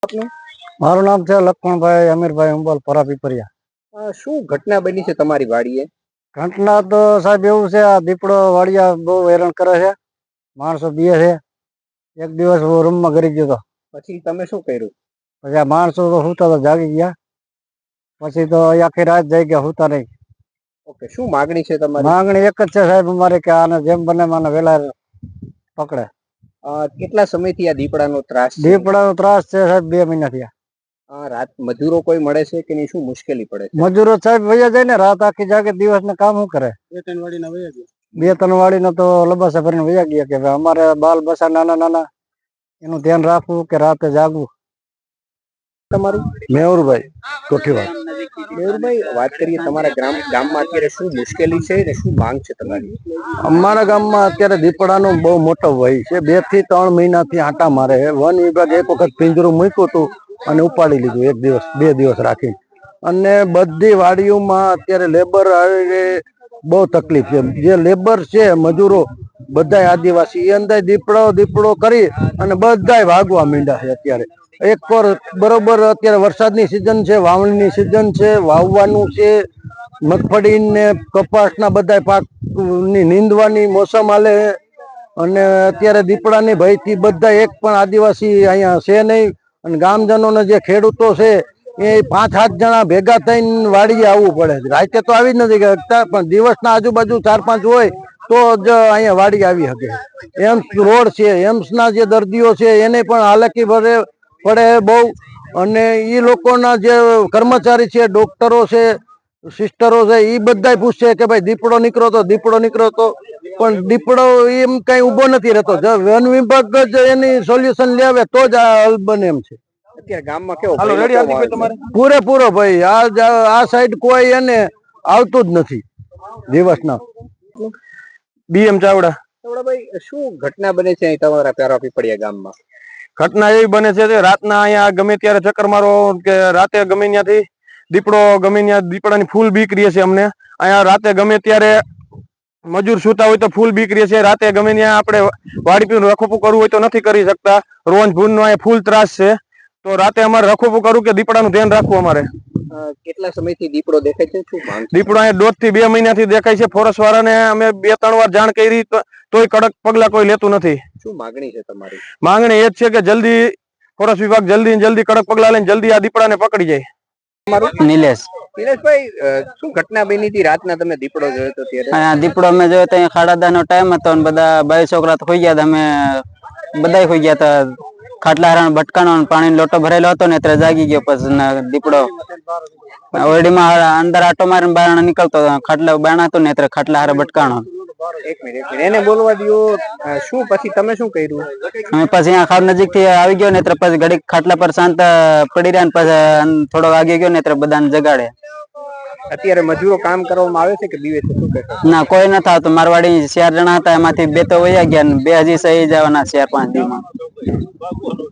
આપનું મારું નામ છે લક્ષ્મણભાઈ અમીરભાઈ ઉંબલ પરાપીપરિયા। શું ઘટના બની છે તમારી વાડીએ? ઘટના તો સાહેબ એવું છે, આ દીપડો વાડિયા બહુ હેરાન કરે છે, માણસો બીએ છે। એક દિવસ હું રૂમમાં ઘરી ગયો હતો, પછી તમે શું કર્યું? પછી આ માણસો તો હુતા તો જાગી ગયા, પછી તો આખી રાત જઈ ગયા, હુતા નહીં। ઓકે, શું માગણી છે તમારી? માંગણી એક જ છે સાહેબ અમારી કે આને જેમ બને મને વેલા પકડે। કેટલા સમયથી આ દીપડાનો ત્રાસ છે? દીપડાનો ત્રાસ છે સાહેબ 2 મહિના થયા। રાત મજૂરો કોઈ મળે છે કે નહીં? શું મુશ્કેલી પડે છે? મજૂરો સાહેબ વયા જાય ને, રાત આખી જાગે, દિવસ ને કામ શું કરે? 2-3 વાડીના વયા ગયા, 2-3 વાડીના તો લબાસા ભરીને વયા ગયા કે અમારે બાલ બસા નાના નાના, એનું ધ્યાન રાખવું કે રાતે જાગવું। તમારું? મેહુરભાઈ કોઠીવાડ। મેહુરભાઈ, વાત કરીએ તમારા ગામમાં અત્યારે શું મુશ્કેલી છે ને શું માંગ છે તમારી? અમારા ગામમાં અત્યારે દીપડાનો બહુ મોટો ભય છે, 2 થી 3 મહિનાથી આંટા મારે છે। વન વિભાગ એક વખત પિંજરું મૂક્યું હતું અને ઉપાડી લીધું, 1 દિવસ 2 દિવસ રાખી। અને બધી વાડીઓમાં અત્યારે લેબર બહુ તકલીફ છે, જે લેબર છે મજૂરો બધા આદિવાસી એ અંદર દીપડો કરી અને બધા ભાગવા માંડ્યા છે। અત્યારે એક પર બરોબર અત્યારે વરસાદની સિઝન છે, વાવણીની સિઝન છે, વાવવાનું છે, મગફળી ને કપાસના બધા પાકની નીંદવાની મોસમ હાલે અને અત્યારે દીપડાની ભયથી બધા એક પણ આદિવાસી અહીંયા છે નહીં। અને ગામજનોને જે ખેડૂતો છે એ 5-7 જણા ભેગા થઈને વાડીએ આવવું પડે છે। રાતે તો આવી જ નથી શકતા, પણ દિવસના આજુબાજુ 4-5 હોય તો જ અહીંયા વાડી આવી શકે। એમ્સ રોડ છે, એમ્સના જે દર્દીઓ છે એને પણ હાલાકી પડે બહુ। અને એ લોકોના જે કર્મચારી છે, ડોક્ટરો છે, સિસ્ટરો છે, એ બધા પૂછે કે ભાઈ દીપડો નીકળો તો, પણ દીપડો એમ કઈ ઉભો નથી રહેતો। વન વિભાગ જ એની સોલ્યુશન લેવે તો જ આ હલ બને એમ છે। અત્યારે ગામમાં કેવો પૂરેપૂરો ભાઈ, આ સાઈડ કોઈ એને આવતું જ નથી દિવસના। BM ચાવડા। ભાઈ, શું ઘટના બને છે તમારા પરાપીપરિયા ગામમાં? ઘટના એવી બને છે કે રાતના અહીંયા ગમે ત્યારે ચક્કર મારો કે રાતે ગમે ત્યાંથી દીપડાની ફૂલ બીક રહે છે અમને। અહીંયા રાતે ગમે ત્યારે મજૂર સુતા હોય તો ફૂલ બીક રહે છે। રાતે ગમે ત્યાં આપણે વાડી પીને રખોપું કરવું હોય તો નથી કરી શકતા। રોજ ભૂનનો અહીંયા ફૂલ ત્રાસ છે, તો રાતે અમારે રખોપું કરવું કે દીપડાનું ધ્યાન રાખવું અમારે। કેટલા સમયથી દીપડો દેખાય છે? શું માંગ? દીપડો અહીંયા 1.5 થી 2 મહિનાથી દેખાય છે। ફોરેસ્ટ વાળાને અમે 2-3 વાર જાણ કરી, તોય કડક પગલા કોઈ લેતું નથી। શું માગણી છે તમારી? માંગણી એ જ છે કે જલ્દી ફોરેસ્ટ વિભાગ જલ્દી કડક પગલા લઈને જલ્દી આ દીપડાને પકડી જાય। નિલેશભાઈ, શું ઘટના બની હતી રાતના? તમે દીપડો જોયો તો ત્યારે? દીપડો અમે જોયો તો 10:30 નો ટાઈમ હતો અને બધા 2 છોકરા તો ખોઈ ગયા હતા, અમે બધા ખોઈ ગયા હતા। ખાટલા હારણ ભટકાનો પાણી લોટો ભરેલો હતો ને એટલે જાગી ગયો। પછી દીપડો ઓરડીમાં અંદર આટો મારીને બહાર નીકળતો, ખાટલા બાણા હતો ને એટલે ખાટલા હારે ભટકાણો। એક મિનિટ એને બોલવા દો। શું પછી તમે શું કર્યું? અમે પછી અહીંયા ખાડ નજીક થી આવી ગયો ને એટલે પછી ઘડીક ખાટલા પર શાંત પડી રહ્યા ને પછી થોડો વાગી ગયો ને એટલે બધાને જગાડ્યા। અત્યારે મજૂરો કામ કરવામાં આવે છે કે બીવે છે? શું કહેશો? ના, કોઈ નથી આવતું। મારવાડી 4 જણા હતા, એમાંથી 2 તો વયા ગયા ને 2 હજી સહી જવાના 4-5 દિવસમાં।